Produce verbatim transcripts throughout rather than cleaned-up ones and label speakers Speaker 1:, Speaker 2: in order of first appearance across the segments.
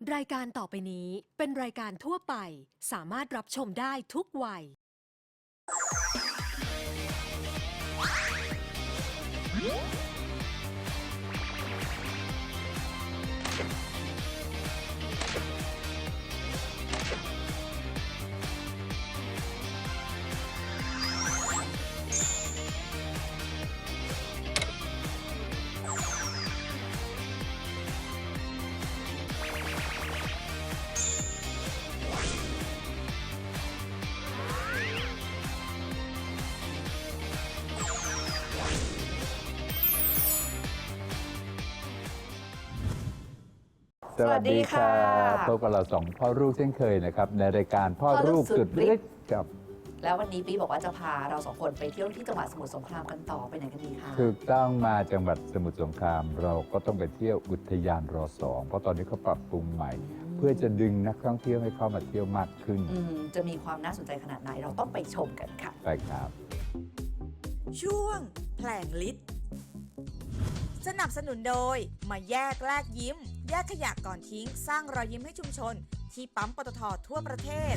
Speaker 1: รายการต่อไปนี้เป็นรายการทั่วไปสามารถรับชมได้ทุกวัย
Speaker 2: สวัสดีค่ะพบกับเราสองพ่อลูกเช่นเคยนะครับในรายการพ่อลูกสุดฤทธิ์กับ
Speaker 3: แล้ววันนี้ปีบอกว่าจะพาเราสองคนไปเที่ยวที่จังหวัดสมุทรสงครามกันต่อไปไหนกันดีคะ
Speaker 2: ถูกต้องมาจังหวัดสมุทรสงคราม เราก็ต้องไปเที่ยวอุทยานรอสองเพราะตอนนี้เขาปรับปรุงใหม่ เพื่อจะดึงนักท่องเที่ยวให้เข้ามาเที่ยวมากขึ้น
Speaker 3: อืมจะมีความน่าสนใจขนาดไหนเราต้องไปชมกันค่ะ
Speaker 2: ไปครับ
Speaker 4: ช่วงแผลงฤทธิ์สนับสนุนโดยมาแยกแลกยิ้ม แยกขยะก่อนทิ้ง สร้างรอยยิ้มให้ชุมชน ที่ปั๊มปตททั่วประเทศ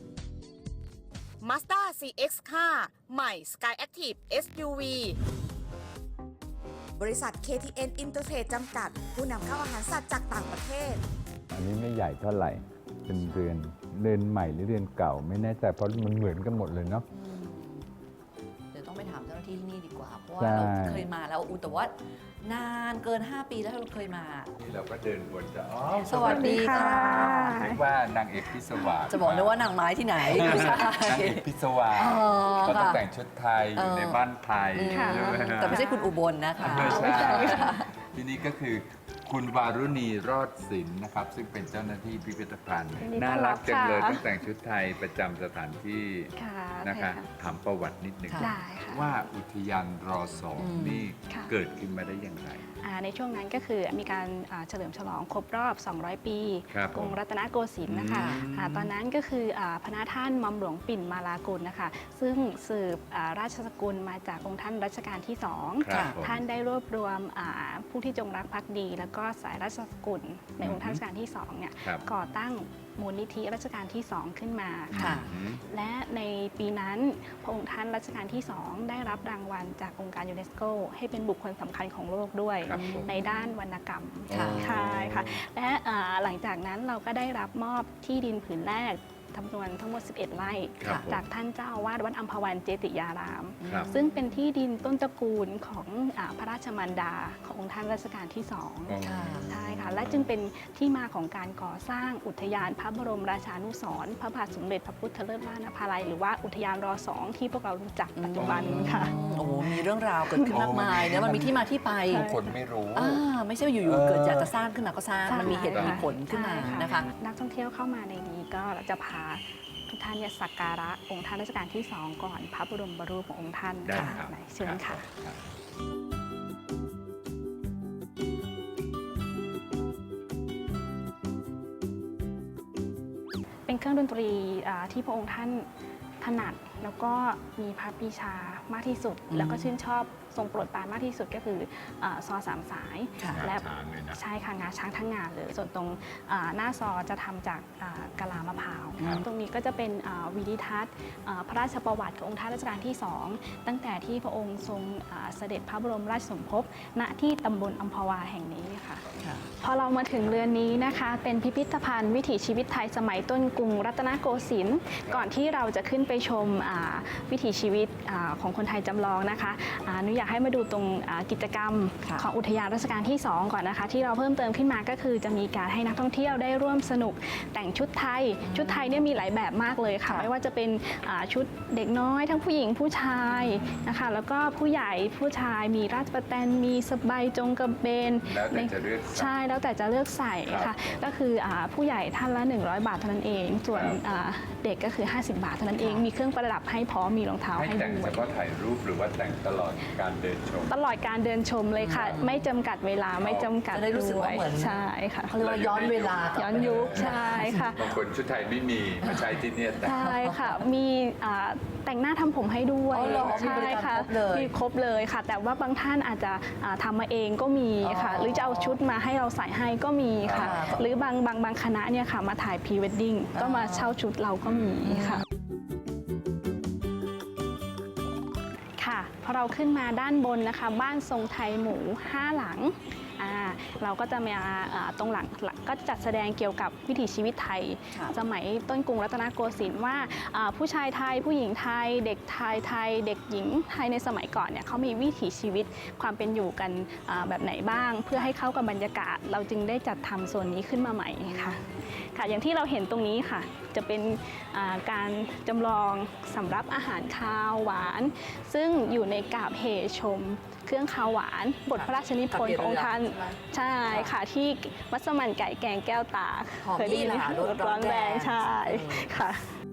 Speaker 4: Mazda ซี เอ็กซ์ ค่ะ ใหม่ Sky Active เอส ยู วี บริษัท เค ที เอ็น Intertrade จำกัด ผู้นำเข้าอาหารสัตว์จากต่างประเทศ
Speaker 2: อันนี้ไม่ใหญ่เท่าไหร่ เป็นเรือนเรือนใหม่หรือเรือนเก่า ไม่แน่ใจเพราะมันเหมือนกันหมดเลยเนาะ
Speaker 3: เดี๋ยวต้องไปถามเจ้าหน้าที่ที่นี่ดีกว่า เพราะว่า
Speaker 2: ใช่
Speaker 3: เราเคยมาแล้วอุยแต่ว่านานเกิน ห้า ปีแล้วเราเคยมา
Speaker 2: นี่เราก็เดินวนจะอ๋อ
Speaker 3: สวัสดีค่ะ
Speaker 2: นึกว่านางเอกพิศวาส
Speaker 3: จะบอกเลยว่านางไม้ที่ไหนไม่ใช่
Speaker 2: นางเอกพิศวาส
Speaker 3: อ๋อ
Speaker 2: ก็ต้อง
Speaker 3: ค่ะ
Speaker 2: แต่งชุดไทยอยู่ในบ้านไทย
Speaker 3: อืม
Speaker 2: ใช่ไหมฮะ
Speaker 3: แต่ไม่ใช่คุณอุบลนะคะ
Speaker 2: ไม่ใช่ที่นี่ก็คือคุณวารุณีรอดศิลป์นะครับ ซึ่งเป็นเจ้าหน้าที่พิพิธภัณฑ์
Speaker 5: ยินดีต้
Speaker 2: น่า
Speaker 5: อนรั
Speaker 2: รับ กจังเลย
Speaker 5: ค่ะ
Speaker 2: ต้องแต่งชุดไทยประจำสถานที่
Speaker 5: ค่ะ
Speaker 2: นะคะ
Speaker 5: ใช่
Speaker 2: ถามประวัตินิดหนึ่ง
Speaker 3: ค่ะ
Speaker 5: ได้ค่ะ
Speaker 2: ว่าอุทยานรอสอง
Speaker 3: อืม
Speaker 2: นี่
Speaker 5: ค่ะ
Speaker 2: เกิดขึ้นมาได้อย่างไร
Speaker 5: อ่าในช่วงนั้นก็คือมีการอ่าเฉลิมฉลองครบรอบ สองร้อย ปี
Speaker 2: ครับ
Speaker 5: กรุงรัตนโกสินทร์นะคะ
Speaker 2: อืม
Speaker 5: อ่าตอนนั้นก็คืออาพระท่านหม่อมหลวงปิ่นมาลากุลนะคะ ซึ่งสืบอ่าราชสกุลมาจากองค์ท่านรัชกาลที่สอง
Speaker 2: ครับผม
Speaker 5: ท่านได้รวบรวมอ่าผู้ที่จงรักภักดี แล้วก็สายราชสกุลในองค์ท่านรัชกาลที่สองเนี่ย
Speaker 2: ครับ
Speaker 5: ก่อตั้งมูลนิธิรัชกาลที่สองขึ้นมาค่ะ
Speaker 3: ค่ะ
Speaker 2: อืม
Speaker 5: และในปีนั้นพระองค์ท่านรัชกาลที่สองได้รับรางวัลจากองค์การยูเนสโกให้เป็นบุคคลสำคัญของโลกด้วย
Speaker 2: ครับผม
Speaker 5: ในด้านวรรณกรรม
Speaker 3: ค่ะ
Speaker 5: ใช่ค่ะและอ่าหลังจากนั้นเราก็ได้รับมอบที่ดินผืนแรกจำนวนทั้งหมด สิบเอ็ด ไร่
Speaker 2: ครับผม
Speaker 5: จากท่านเจ้าอาวาสวัดอัมพวันเจติยาราม
Speaker 2: ครับ
Speaker 5: ซึ่งเป็นที่ดินต้นตระกูลของอาพระราชมารดาขององค์ท่านรัชกาลที่สอง
Speaker 2: อ๋อ
Speaker 3: ค่ะ
Speaker 5: ใช่ค่ะ และจึงเป็นที่มาของการก่อสร้างอุทยานพระบรมราชานุสรณ์พระบาทสมเด็จพระพุทธเลิศล้านภาลัยหรือว่าอุทยานรอสองที่พวกเรารู้จักปัจจุบันค่ะ
Speaker 3: โอ้โหมีเรื่องราวเกิดขึ้นมากมายเนอะมันมีที่มาที่ไป
Speaker 2: ทุกคนไม่รู้
Speaker 3: อ่าไม่ใช่ว่าอยู่
Speaker 2: เออ
Speaker 3: ๆเกิดอยากจะสร้างขึ้นมาก็สร้าง
Speaker 5: ใช่
Speaker 3: มันมีเหตุมีผลขึ้นมา
Speaker 5: ใช่
Speaker 3: นะคะ
Speaker 5: นักท่องเที่ยวเข้ามาในนี้ก็จะพาทุกท่านเนี่ยสักการะองค์ท่านรัชกาลที่สองก่อนพระบรมรูปขององค์ท่าน
Speaker 2: ได้
Speaker 5: ค่ะ
Speaker 2: ครับ
Speaker 5: ไหนเชิญค่ะ
Speaker 2: รับ
Speaker 5: เป็นเครื่องดนตรีอ่าที่พระองค์ท่านถนัดแล้วก็มีพระปรีชามากที่สุด
Speaker 3: อืม
Speaker 5: แล้วก็ชื่นชอบทรงโปรดปรานมากที่สุดก็คืออาซอสามสาย
Speaker 3: ค่ะ
Speaker 5: และ
Speaker 2: งาช้างเลยนะ
Speaker 5: ใช่ค่ะงาช้างทั้งงานเลย ส่วนตรงอ่าหน้าซอจะทำจากอ่ากะลามะพร้าว
Speaker 2: ครับ
Speaker 5: ตรงนี้ก็จะเป็นอ่าวิดิทัศน์อ่าพระราชประวัติขององค์ท่านรัชกาลที่สองตั้งแต่ที่พระองค์ทรงอ่าเสด็จพระบรมราชสมภพณที่ตำบลอัมพวาแห่งนี้ค่ะ
Speaker 3: ค่ะ
Speaker 5: พอเรามาถึงเรือนนี้นะคะ เป็นพิพิธภัณฑ์วิถีชีวิตไทยสมัยต้นกรุงรัตนโกสินทร์ก่อนที่เราจะขึ้นไปชมอ่าวิถีชีวิตอ่าของคนไทยจำลองนะคะอ่าหนูอยากให้มาดูตรงอ่ากิจกรรม
Speaker 3: ค่ะ
Speaker 5: ของอุทยานรัชกาลที่สองก่อนนะคะ ที่เราเพิ่มเติมขึ้นมาก็คือจะมีการให้นักท่องเที่ยวได้ร่วมสนุกแต่งชุดไทย ชุดไทยเนี่ยมีหลายแบบมากเลยค่ะ
Speaker 3: ค่ะ
Speaker 5: ไม่ว่าจะเป็นอ่าชุดเด็กน้อย ทั้งผู้หญิงผู้ชายนะคะแล้วก็ผู้ใหญ่ผู้ชายมีราชประแตนมีสบายจงกระเบน
Speaker 2: แล้วแต่จะเลือกใส่
Speaker 5: ใช่แล้วแต่จะเลือกใส่
Speaker 2: ครั
Speaker 5: ค่ะ
Speaker 2: บ
Speaker 5: ก็คืออาผู้ใหญ่ท่านละ หนึ่งร้อย บาทเท่านั้นเอง ส่วน
Speaker 2: ครับ
Speaker 5: อ่าเด็กก็คือ ห้าสิบบาทเท่านั้นเอง มีเครื่องประดับให้พร้อมมีรองเท้า
Speaker 2: ให้
Speaker 5: ให้
Speaker 2: แต่ง
Speaker 5: ด้
Speaker 2: เฉ
Speaker 5: วย
Speaker 2: พาะถ่ายรูปหรือว่าแต่งตลอดการเดินชม
Speaker 5: ตลอดการเดินชมเลยค่ะ
Speaker 3: อืม
Speaker 5: ไม่จำกัดเวลาไม่จำกัด
Speaker 3: จะได้รู้สึกว่าเหมือน
Speaker 5: ใช่ค่ะ
Speaker 3: เขาเรียกว่าย้อนเวลา
Speaker 5: ย้อนยุคใช่ค่ะ
Speaker 2: บางคนชุดไทยไม่มีมาใช้ที่เนี่ยแต่ง
Speaker 5: ใช่ค่ะ มีอ่าแต่งหน้าทำผมให้ด้วย
Speaker 3: อ๋อเหรอมีบริการ
Speaker 5: ค่ะ
Speaker 3: ครบเลย
Speaker 5: มีครบเลยค่ะ แต่ว่าบางท่านอาจจะอ่าทำมาเองก็มีค่ะ
Speaker 3: อ๋อ
Speaker 5: หรือจะเอาชุดมาให้เราใส่ให้ก็มีค่ะ
Speaker 3: อ่า
Speaker 5: หรือบางบางบางคณะเนี่ยค่ะมาถ่ายพรีเวดดิ้งก็มาเช่าชุดเราก็มีค่ะ ค่ะพอเราขึ้นมาด้านบนนะคะ บ้านทรงไทยหมูห้าหลังอ่าเราก็จะมาอ่าตรงหลังหลังก็จัดแสดงเกี่ยวกับวิถีชีวิตไทย
Speaker 3: ค่ะ
Speaker 5: สมัยต้นกรุงรัตนโกสินทร์ว่าอ่าผู้ชายไทยผู้หญิงไทย เด็กไทยไทย เด็กหญิงไทยในสมัยก่อนเนี่ยเขามีวิถีชีวิตความเป็นอยู่กันอ่าแบบไหนบ้าง เพื่อให้เข้ากับบรรยากาศ เราจึงได้จัดทำส่วนนี้ขึ้นมาใหม่ค่ะค่ะอย่างที่เราเห็นตรงนี้ค่ะจะเป็นอ่าการจำลองสำรับอาหารคาวหวาน ซึ่งอยู่ในกาบเหชม เครื่องคาวหวาน บทพระราชนิพนธ์ขององค์ท่าน ใช่ค่ะที่มัสมั่นไก่แกงแก้วตาก
Speaker 3: หอม
Speaker 5: เคยได้ยินไหม
Speaker 3: นี่แหละ
Speaker 5: คะ
Speaker 3: รสร้อนแรง
Speaker 5: ใช่
Speaker 3: อืม
Speaker 5: ค่ะ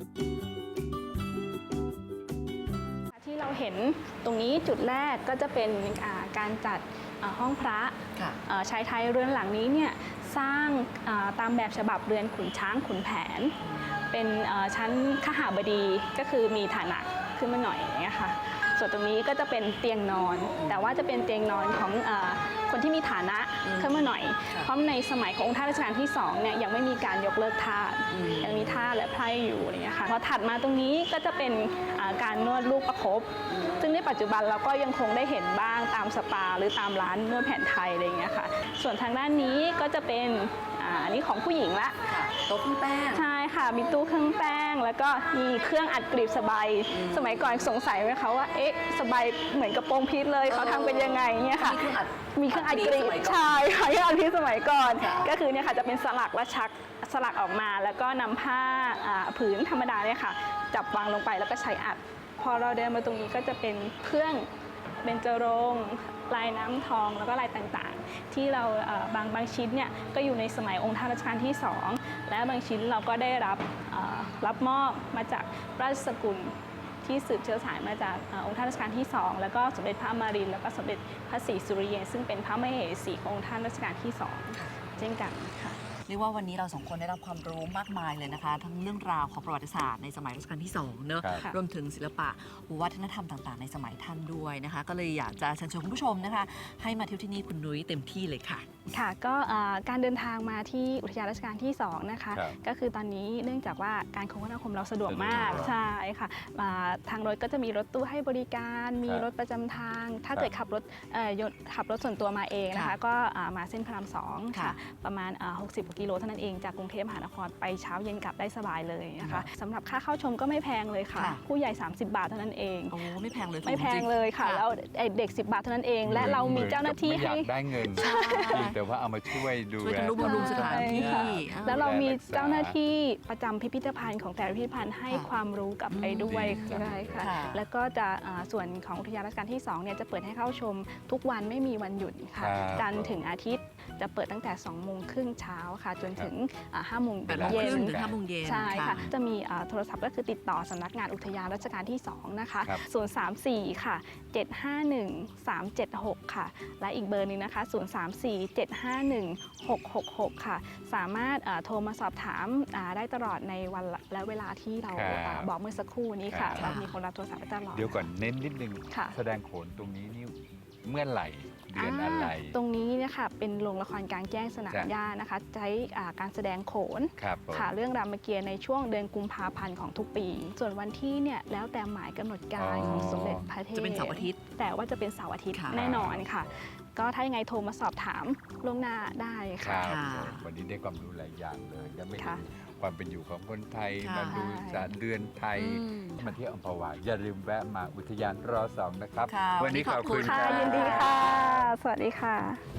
Speaker 5: ที่เราเห็นตรงนี้จุดแรกก็จะเป็นอ่าการจัดอ่าห้องพระ
Speaker 3: ค่ะ
Speaker 5: อ่าชายไทยเรือนหลังนี้เนี่ยสร้างอ่าตามแบบฉบับเรือนขุนช้างขุนแผน เป็นอ่าชั้นขหบดีก็คือมีฐานะขึ้นมาหน่อยอย่างเงี้ยค่ะส่วนตรงนี้ก็จะเป็นเตียงนอน แต่ว่าจะเป็นเตียงนอนของอาคนที่มีฐานะขึ้นมาหน่อย เพราะในสมัยขององค์ท่านรัชกาลที่สองเนี่ยยังไม่มีการยกเลิกทาส
Speaker 3: อืม
Speaker 5: ยังมีทาสและไพร่อยู่อะไรอย่างเงี้ยค่ะพอถัดมาตรงนี้ก็จะเป็นอ่าการนวดลูกประคบ ซึ่งในปัจจุบันเราก็ยังคงได้เห็นบ้างตามสปาหรือตามร้านนวดแผนไทยอะไรอย่างเงี้ยค่ะส่วนทางด้านนี้ก็จะเป็นอ่าอันนี้ของผู้หญิงละ
Speaker 3: ค่ะโต๊ะเครื่องแป้ง
Speaker 5: ใช่ค่ะ มีตู้เครื่องแป้ง แล้วก็มีเครื่องอัดกลีบสบาย สมัยก่อนสงสัยไหมคะว่า เอ๊ะ สบายเหมือนกระโปรงพีชเลย เขาทำเป็นยังไงเนี่ยค่ะ
Speaker 3: มีเครื่องอัด
Speaker 5: มีเครื่องอัดกลี
Speaker 3: ส
Speaker 5: บ
Speaker 3: มัยก่อน
Speaker 5: ใช่ค่ะเครื่องอัดกลีบสมัยก่อน
Speaker 3: ค่ะ
Speaker 5: ก็คือเนี่ยค่ะจะเป็นสลักและชักสลักออกมา แล้วก็นำผ้าอ่าผืนธรรมดาเนี่ยค่ะ จับวางลงไปแล้วก็ใช้อัด พอเราเดินมาตรงนี้ก็จะเป็นเครื่องเบญจรงค์ลายน้ำทองแล้วก็ลายต่างๆ ที่เราเอ่อบางบางชิ้นเนี่ยก็อยู่ในสมัยองค์ท่านรัชกาลที่สองและบางชิ้นเราก็ได้รับเอ่อรับมอบมาจากราชสกุลที่สืบเชื้อสายมาจากเอ่อองค์ท่านรัชกาลที่สองแล้วก็สมเด็จพระอมรินทร์แล้วก็สมเด็จพระศรีสุริเยนซึ่งเป็นพระมเหสีขององค์ท่านรัชกาลที่สองเช่นกันค่ะ
Speaker 3: เรียกว่าวันนี้เราสองคนได้รับความรู้มากมายเลยนะคะ ทั้งเรื่องราวของประวัติศาสตร์ในสมัยรัชกาลที่สองเนอะ
Speaker 2: ครับ
Speaker 3: รวมถึงศิลปะวัฒนธรรมต่างๆ ในสมัยท่านด้วยนะคะ ก็เลยอยากจะเชิญชวนคุณผู้ชมนะคะ ให้มาเที่ยวที่นี่คุณนุ้ยเต็มที่เลยค่ะ
Speaker 5: ค่ะก็เอ่อการเดินทางมาที่อุทยานราชการที่สองนะคะ
Speaker 2: ครับ
Speaker 5: ก็คือตอนนี้เนื่องจากว่าการคมนาคมเราสะดวกมาก
Speaker 2: สะดวก
Speaker 5: ใช่ค่ะอ่าทางรถก็จะมีรถตู้ให้บริการ มี
Speaker 2: ครับ
Speaker 5: รถประจำทาง ถ้า
Speaker 2: ครับ
Speaker 5: เกิดขับรถเอ่อยนต์ขับรถส่วนตัวมาเองนะคะ
Speaker 3: ค่ะ
Speaker 5: ก็อ่ามาเส้นพระรามสอง
Speaker 3: ค่ะ
Speaker 5: ค่ะประมาณอ่าหกสิบกว่ากิโลเท่านั้นเองจากกรุงเทพมหานครไปเช้าเย็นกลับได้สบายเลยนะ
Speaker 2: ครั
Speaker 5: คะ
Speaker 2: บ
Speaker 5: สำหรับค่าเข้าชมก็ไม่แพงเลยค่ะ
Speaker 3: ค่ะ
Speaker 5: ผู้ใหญ่ สามสิบบาทเท่านั้นเอง
Speaker 3: โอ้ไม่แพงเลย
Speaker 5: ไม่แพ
Speaker 3: ถูกจ
Speaker 5: ง
Speaker 3: ริ
Speaker 5: เลยค่ะ
Speaker 3: ค่ะ
Speaker 5: แล้วไอ้เด็ก สิบบาทเท่านั้นเอง และเรามีเจ้าหน้าที่
Speaker 2: ไม่อ
Speaker 5: ให้
Speaker 2: ยากได้เงินเพียงแต่ว่าเอามาช่วยดู
Speaker 3: ช่วย
Speaker 2: แล
Speaker 3: ทำนุบำรุงสถานที่
Speaker 5: ใช่ค่ะ
Speaker 3: อ่า
Speaker 5: แล้วเรามี
Speaker 2: ดูแลรักษา
Speaker 5: เจ้าหน้าที่ประจำพิพิธภัณฑ์ของแต่ละพิพิธภัณฑ์ให้
Speaker 3: ค่ะ
Speaker 5: ความรู้กลับไปด้วย
Speaker 2: อืม
Speaker 5: ใช่ค่ะ
Speaker 3: ค่ะ
Speaker 5: แล้วก็จะอ่าส่วนของอุทยานราชการที่สองเนี่ยจะเปิดให้เข้าชมทุกวันไม่มีวันหยุดค่ะ
Speaker 2: ครับ
Speaker 5: จันทร์ถึงอาทิตย์จะเปิดตั้งแต่สองโมงครึ่งเช้าค่ะ จนถึงอ่าห้าโมง
Speaker 3: แปดโมง
Speaker 5: เย็
Speaker 3: ครึ่
Speaker 5: น
Speaker 3: งถึงห้าโมงเย็น
Speaker 5: ใช่ค่ะ จะมีอ่าโทรศัพท์ก็คือติดต่อสำนักงานอุทยานราชการที่สองนะคะ
Speaker 2: ครับ
Speaker 5: ศูนย์ สาม สี่ ค่ะ เจ็ด ห้า หนึ่ง สาม เจ็ด หก ค่ะ และอีกเบอร์หนึงนะคะ ศูนย์ สาม สี่ เจ็ด ห้า หนึ่ง หก หก หก ค่ะ สามารถอ่าโทรมาสอบถามอ่าได้ตลอดในวันและเวลาที่เรา
Speaker 2: ครับ
Speaker 5: อ่าบอกเมื่อสักครู่นี้ค่ะ
Speaker 2: ครับ
Speaker 5: เรามีคนรับโทรศัพท์ไว้ตลอด
Speaker 2: เดี๋ยวก่อนเน้นนิดนึง
Speaker 5: ค่ะ
Speaker 2: แสดงโขนตรงนี้นี่เมื่อไหร่เดือนอะไร
Speaker 5: าตรงนี้เนะคะเป็นโรงละครกลางแจ้งสนาม
Speaker 2: จ้ะ
Speaker 5: หญ้านะคะ ใช้อ่าการแสดงโขน
Speaker 2: ครับผม
Speaker 5: ค่ะเรื่องรามเกียรติ์ในช่วงเดือนกุมภาพันธ์ของทุกปี ส่วนวันที่เนี่ยแล้วแต่หมายกำหนดการของสมเด็จพระเทพ
Speaker 3: จะเป็นเสาร์อาทิตย์
Speaker 5: แต่ว่าจะเป็นเสาร์อาทิตย์
Speaker 3: ค่ะ
Speaker 5: แน่นอนค่ะ ก็ถ้ายังไงโทรมาสอบถามล่วงหน้าได้
Speaker 2: ค
Speaker 5: ค่ะ
Speaker 2: รับ
Speaker 3: ค่ะ
Speaker 2: ผมวันนี้ได้ความรู้หลายอย่างเลยยังไม่เห็
Speaker 5: ค่ะ
Speaker 2: นความเป็นอยู่ของคนไทย
Speaker 3: ค่ะ
Speaker 2: มาดูสารเดือนไทย
Speaker 3: อืม
Speaker 2: มาเที่ยวอัมพวาอย่าลืมแวะมาอุทยานรอสองนะครับ
Speaker 3: ค่ะ
Speaker 2: วันนี้ขอบคุณ
Speaker 3: วันนี้ขอบคุณ
Speaker 5: ค่ะ
Speaker 2: รับ
Speaker 5: ยินดีค่ะ สวัสดีค่ะ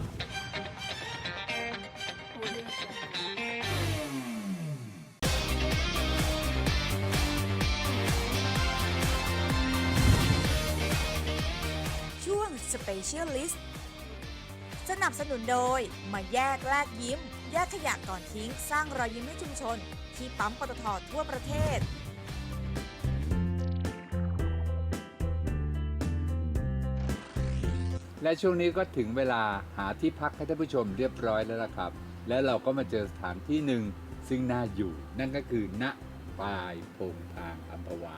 Speaker 4: ช่วง Specialist สนับสนุนโดยมาแยกแลกยิ้ม แยกขยะก่อนทิ้ง สร้างรอยยิ้มให้ชุมชน ที่ปั๊มปตททั่วประเทศ
Speaker 2: และช่วงนี้ก็ถึงเวลาหาที่พักให้ท่านผู้ชมเรียบร้อยแล้วนะครับ และเราก็มาเจอสถานที่หนึ่งซึ่งน่าอยู่ นั่นก็คือณปลายโพงทางอัมพวา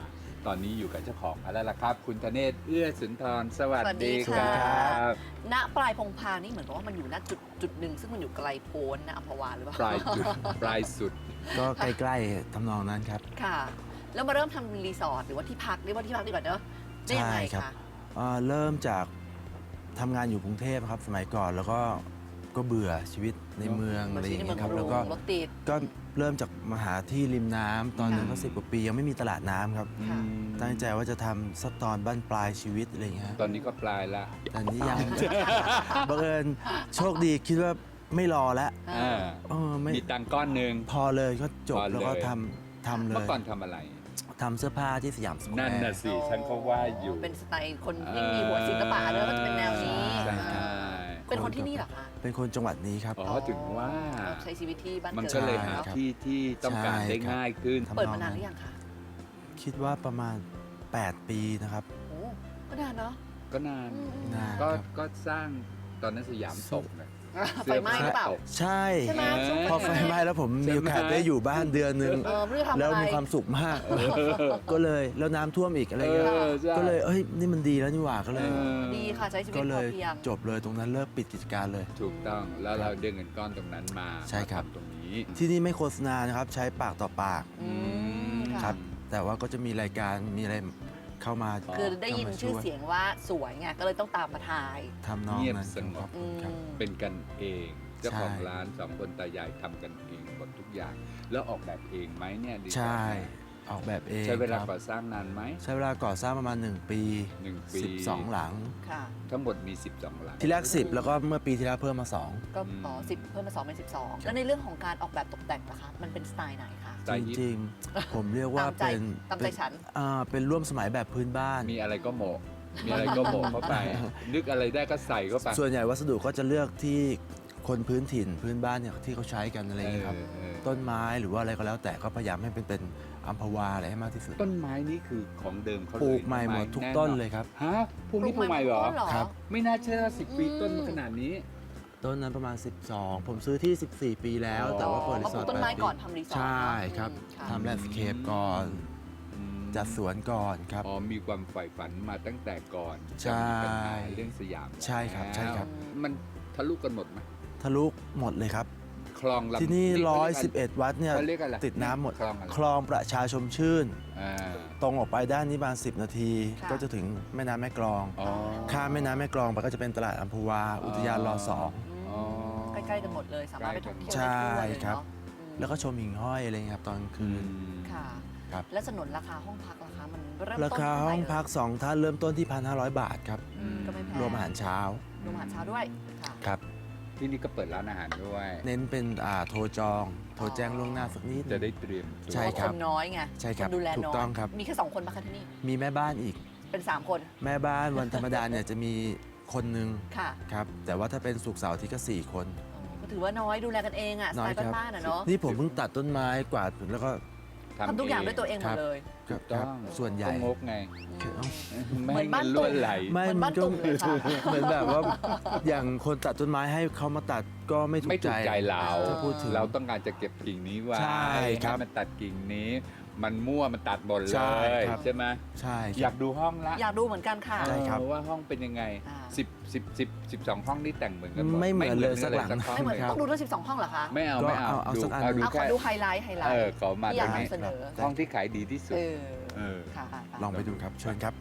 Speaker 2: ตอนนี้อยู่กับเจ้าของแล้วล่ะครับ คุณธเนศเอื้อสุนทรสวัส
Speaker 3: สวัสดี
Speaker 2: ดีค
Speaker 3: ค่ะ
Speaker 2: รับ
Speaker 3: ณปลายพงพางนี่เหมือนกับว่ามันอยู่ณจุดจุดหนึ่งซึ่งมันอยู่ไกลโพ้นนะอัมพวาหรือเปล่า
Speaker 2: ปลายจุดปลายสุด
Speaker 6: ก็ใกล้ๆทำนองนั้นครับ
Speaker 3: ค่ะ แล้วมาเริ่มทำรีสอร์ทหรือว่าที่พักเรียกว่าที่พักดีกว่าเนอะได้ยังไง
Speaker 6: ใช่ครับ
Speaker 3: คะ
Speaker 6: เอ่อเริ่มจากทำงานอยู่กรุงเทพครับสมัยก่อนแล้วก็ก็เบื่อชีวิตในเมือง
Speaker 3: มา
Speaker 6: อะไรอ
Speaker 3: ที่
Speaker 6: ย่าง
Speaker 3: ในเมื
Speaker 6: เงี้
Speaker 3: อง
Speaker 6: ยครับ
Speaker 3: กรุ
Speaker 6: แล้ว
Speaker 3: ง
Speaker 6: ก็
Speaker 3: รถติด
Speaker 6: ก็เริ่มจากมาหาที่ริมน้ำตอนนั้น
Speaker 3: ค่ะ
Speaker 6: ก็สิบกว่าปียังไม่มีตลาดน้ำครับ
Speaker 3: ค่ะ
Speaker 6: ตั้งใจว่าจะทำสักตอนบ้านปลายชีวิตอะไรอย่างเงี้ย
Speaker 2: ตอนนี้ก็ปลายละ
Speaker 6: แต่นี้ยัง บังเอิญโชคดีคิดว่าไม่รอแล้ว
Speaker 2: อ่า
Speaker 6: เออไม่
Speaker 2: มีตังค์ก้อนหนึ่ง
Speaker 6: พอเลยก็จบ
Speaker 2: พอเลย
Speaker 6: แล้วก็ทำทำเล
Speaker 2: เมื่อย ก่อนทำอะไร
Speaker 6: ทำเสื้อผ้าที่สยามสแคว
Speaker 2: นั่น
Speaker 6: ร์
Speaker 2: น่ะสิฉันก็ว่าอยู่
Speaker 3: เป็นสไตล์คนที่มีหัวศิลปะด้วยก็จะเป็นแนวนี้
Speaker 6: ใช่
Speaker 2: ใช่
Speaker 3: เป็นคนที่นี่เหรอคะ
Speaker 6: เป็นคนจังหวัดนี้ครับ
Speaker 2: อ๋อถึงว่า
Speaker 3: ใช้ชีวิตที่บ้าน
Speaker 2: มัน
Speaker 3: เกิด
Speaker 2: ก็เลยหา
Speaker 3: เนอะ
Speaker 2: ที่ที่ต้องการได้ง่ายขึ้น
Speaker 6: ใช่ครับ
Speaker 3: เปิดมานานหรือยังคะ
Speaker 6: คิดว่าประมาณ แปด ปีนะครับ
Speaker 3: โอ้ก็นานเนาะ
Speaker 2: ก็นาน
Speaker 3: อืม
Speaker 6: นาน
Speaker 2: ก็
Speaker 6: ครับ
Speaker 2: ก็สร้างตอนนั้นสยามตกนะ
Speaker 3: ไฟไหม้หรือเปล่า
Speaker 6: ใช่
Speaker 3: ใช่ไหมช่วง
Speaker 6: พอไฟไหม้แล้วผมมีโอกาสได้อยู่บ้านเดือนหนึ่ง
Speaker 3: เออไม่รู้จะทำอะไร
Speaker 6: แล้วมีความสุขมากก็เลยแล้วน้ำท่วมอีกอะไร
Speaker 2: เอ
Speaker 6: เงี้ย
Speaker 2: อใช่
Speaker 6: ก็เลยเอ้ยนี่มันดีแล้วนี่หว่าก็เลย
Speaker 2: เออ
Speaker 3: ดีค่ะใช้ชีวิต
Speaker 6: ก็
Speaker 3: พ
Speaker 6: เล
Speaker 3: อย เพียง
Speaker 6: จบเลยตรงนั้นเลิกปิดกิจการเลย
Speaker 2: ถูกต้องแล้วเราได้เงินก้อนตรงนั้นมา
Speaker 6: ใช่ครับ
Speaker 2: มาทำตรงนี้
Speaker 6: ที่นี่ไม่โฆษณานะครับใช้ปากต่อปาก
Speaker 3: อืมค่ะ
Speaker 6: ครับ แต่ว่าก็จะมีรายการมีอะไรเข้ามา
Speaker 3: คือได้ยิน
Speaker 6: เข้ามา
Speaker 3: ชื่อ
Speaker 6: ว
Speaker 3: เสียงว่าสวยไงก็เลยต้องตามมาถ่าย
Speaker 6: ทำนอง
Speaker 2: เงียบ
Speaker 6: นั้น
Speaker 2: สงบ
Speaker 6: ครับ
Speaker 3: อืม
Speaker 6: ครับ
Speaker 2: เป็นกันเอง เจ้าของ
Speaker 6: ใช่
Speaker 2: ร้านสองคนตายายทำกันเองหมดทุกอย่าง แล้วออกแบบเองไหมเนี่ยดี
Speaker 6: ใช่ ออกแบบเอง
Speaker 2: ใช้เวลา
Speaker 6: ครับ
Speaker 2: ก่อสร้างนานไหม
Speaker 6: ใช้เวลาก่อสร้างประมาณ หนึ่ง ปี
Speaker 2: หนึ่งปี
Speaker 6: สิบสองหลัง
Speaker 3: ค่ะ
Speaker 2: ทั้งหมดมี สิบสองหลัง
Speaker 6: ที่แรกสิบแล้วก็เมื่อปีที่แล้วเพิ่มมาสอง
Speaker 3: ก็อ๋อสิบเพิ่มมาสองเป็นสิบสองแล้วในเรื่องของการออกแบบตกแต่งนะคะมันเป็นสไตล์ไหนคะ
Speaker 2: สไตล์
Speaker 6: จ
Speaker 2: ฮิป
Speaker 6: ริงๆ ผมเรียกว่า
Speaker 3: ตามใจ
Speaker 6: เป็น
Speaker 3: ตามใจฉัน
Speaker 6: อ่าเป็นร่วมสมัยแบบพื้นบ้าน
Speaker 2: มีอะไรก็โหมกมีอะไรก็โหมกเข้าไป นึกอะไรได้ก็ใส่เข้าไป
Speaker 6: ส่วนใหญ่วัสดุก็จะเลือกที่คนพื้นถิ่นพื้นบ้านเนี่ยที่เขาใช้กันอะไรอย่างเงี้ยครับ
Speaker 2: เออเออ
Speaker 6: ต้นไม้หรือว่าอะไรก็แล้วแต่ก็พยายามให้เป็นเป็นอัมพวาอะไรให้มากที่สุด
Speaker 2: ต้นไม้นี่คือของเดิมเขาเลย
Speaker 6: ปลูกใหม่หมดทุกต้นเลยครับ
Speaker 2: ฮะพวกนี้ปลูกใหม่เหรอ
Speaker 3: ปลูก
Speaker 6: ครับ
Speaker 2: ไม่น่าเชื่อสิบปี
Speaker 3: อืม
Speaker 2: ต้นมาขนาดนี้
Speaker 6: ต้นนั้นประมาณ สิบสอง ผมซื้อที่ สิบสี่ ปีแล้ว
Speaker 2: อ๋อ
Speaker 6: แต่ว่าเปิดรี
Speaker 3: มา
Speaker 6: ส
Speaker 3: ป
Speaker 6: อ
Speaker 3: ลู
Speaker 6: ร์
Speaker 3: ก
Speaker 6: ท
Speaker 3: ต้นไม้
Speaker 6: แปดปี
Speaker 3: ก่อนทำรีสอร์ท
Speaker 6: ใช่ครับ
Speaker 3: อืมค่ะ
Speaker 6: ทำแลนด์สเคปก่อน
Speaker 2: อืม
Speaker 6: จัดสวนก่อนครับ
Speaker 2: อ๋อมีความใฝ่ฝันมาตั้งแต่ก่อน
Speaker 6: ใช่
Speaker 2: จะมีปัญหาเรื่องสยาม
Speaker 6: ใช่ครับใช่ครับ
Speaker 2: แล้วมันทะลุกันหมดไหม
Speaker 6: ทะลุหมดเลยครับ
Speaker 2: คลองลำ
Speaker 6: ที่นี่
Speaker 2: เขา
Speaker 6: ร้อย
Speaker 2: เรีก
Speaker 6: สิบเอ็ด วัดเนี่ย
Speaker 2: เขาเรียกอะไร
Speaker 6: ติดน้ำหมด
Speaker 2: คลองอะไร
Speaker 6: คลองประชาชมชื่น
Speaker 2: อ่า
Speaker 6: ตรงออกไปด้านนี้ประมาณสิบ นาที
Speaker 3: ค่ะ
Speaker 6: ก็จะถึงแม่น้ำแม่กลอง
Speaker 2: อ๋อ
Speaker 6: ข้ามแม่น้ำแม่กลองไปก็จะเป็นตลาดอัมพวา อุทยานรอสอง
Speaker 3: อืมใกล้ๆกันหมดเลย สามารถไปท่องเที่ยว
Speaker 6: ใช่
Speaker 3: ได้ทั่วเลย
Speaker 6: ครับ
Speaker 3: เนาะอืม
Speaker 6: แล้วก็ชมหิ่งห้อยอะไรเงี้ยครับตอนกลางคืน
Speaker 3: ค่ะ
Speaker 6: ครับ
Speaker 3: และสนนราคาห้องพักราคามันเริ่มต้น
Speaker 6: ราคาห้องพักสองท่านเริ่มต้นที่ หนึ่งพันห้าร้อย บาทครับ
Speaker 3: อืมก็ไม่แพง
Speaker 6: รวมอาหารเช้าร
Speaker 3: วมอาหารเช้าด้วยค่ะ
Speaker 6: ครับ
Speaker 2: ที่นี่ก็เปิดร้านอาหารด้วย
Speaker 6: เน้นเป็นอ่าโทรจอง โทรแจ้งล่วงหน้าสักนิด
Speaker 2: จะได้เตรียมตัว
Speaker 6: ใช่
Speaker 3: เพราะ
Speaker 6: ค
Speaker 3: ครับ นน้อยไง
Speaker 6: ใช่ครับ
Speaker 3: นดูแล
Speaker 6: ถูก
Speaker 3: น้อย
Speaker 6: ต้องครับ
Speaker 3: มีแค่สองคนมาคะที่นี่
Speaker 6: มีแม่บ้านอีก
Speaker 3: เป็นสามคน
Speaker 6: แม่บ้านวันธรรมดาเนี่ยจะมีคนหนึ่ง
Speaker 3: ค่ะ
Speaker 6: ครับ แต่ว่าถ้าเป็นสุกร์เสาร์อาที่ก็ สี่ คน
Speaker 3: อ๋อก็ถือว่าน้อยดูแลกันเองอ่ะส
Speaker 6: น้
Speaker 3: ไต
Speaker 6: อย
Speaker 3: ล์
Speaker 6: ครับ
Speaker 3: บ้านๆอ่ะเนาะ
Speaker 6: นี่ผมเพิ่งตัดต้นไม้กวาดแล้วก็
Speaker 3: ทำทุกอย่างด้วยตัวเองหม
Speaker 6: ครั
Speaker 3: ด
Speaker 6: บ
Speaker 3: เลย
Speaker 6: ครับ
Speaker 2: ต้
Speaker 6: ค
Speaker 2: อ
Speaker 6: รับ
Speaker 2: ง
Speaker 6: ส่วนใหญ่
Speaker 2: ต้องงกไง
Speaker 3: อืม
Speaker 2: ไม่
Speaker 3: เหมื
Speaker 2: ให้
Speaker 3: อน
Speaker 2: เงิ
Speaker 3: บ้าน
Speaker 2: น
Speaker 3: ตุ่
Speaker 2: ล้ว
Speaker 3: ม
Speaker 2: นไหล
Speaker 6: ไม่
Speaker 3: เหมือน
Speaker 6: มั
Speaker 3: บ้าน
Speaker 6: นก็
Speaker 3: ตุ่มเลยค่ะ
Speaker 6: เหมือนแบบว่าอย่างคนตัดต้นไม้ให้เขามาตัดก็ไม่ถู
Speaker 2: ไม่
Speaker 6: ก
Speaker 2: ถู
Speaker 6: ใจ
Speaker 2: กใจเรา
Speaker 6: ถ้าพูดถึง
Speaker 2: เราต้องการจะเก็บกิ่งนี้ไว้
Speaker 6: ใช่ครับ
Speaker 2: ให้มันตัดกิ่งนี้ มันมั่วมันตัดหมดเล
Speaker 6: ใช่
Speaker 2: ย
Speaker 6: ครับ
Speaker 2: ใช่ไหม
Speaker 6: ใช่
Speaker 2: อยากดูห้องละ
Speaker 3: อยากดูเหมือนกันค่ะ
Speaker 6: ใช่ครับ
Speaker 2: เออว่าห้องเป็นยังไง
Speaker 3: อ่า
Speaker 2: สิบสิบสิบสิบสองห้องนี่แต่งเหมือนกันหมด
Speaker 6: ไม่เหมือนเลยสักหลัง
Speaker 2: ห้อง
Speaker 3: ไม่เหมือน
Speaker 2: เลย
Speaker 3: ต้องดูทั้งสิบสองห้องเหรอคะ
Speaker 2: ไม่เอาไม่เอา
Speaker 6: ก็เอาเอา
Speaker 2: ดู
Speaker 6: สักอัน
Speaker 2: เอาดู
Speaker 3: เอาขอ
Speaker 2: แค่
Speaker 3: ดูไฮไลท์ไฮไล
Speaker 2: เอ
Speaker 3: ท์
Speaker 2: อขอมา
Speaker 3: ที่อ
Speaker 2: ต
Speaker 3: ยา
Speaker 2: ร
Speaker 3: ก
Speaker 2: งนี้
Speaker 3: นำเสนอ
Speaker 2: ห้องที่ขายดีที่สุด
Speaker 3: เออ
Speaker 2: เออ
Speaker 3: ค่ะ
Speaker 6: ลองไปดูครับเชิญครับ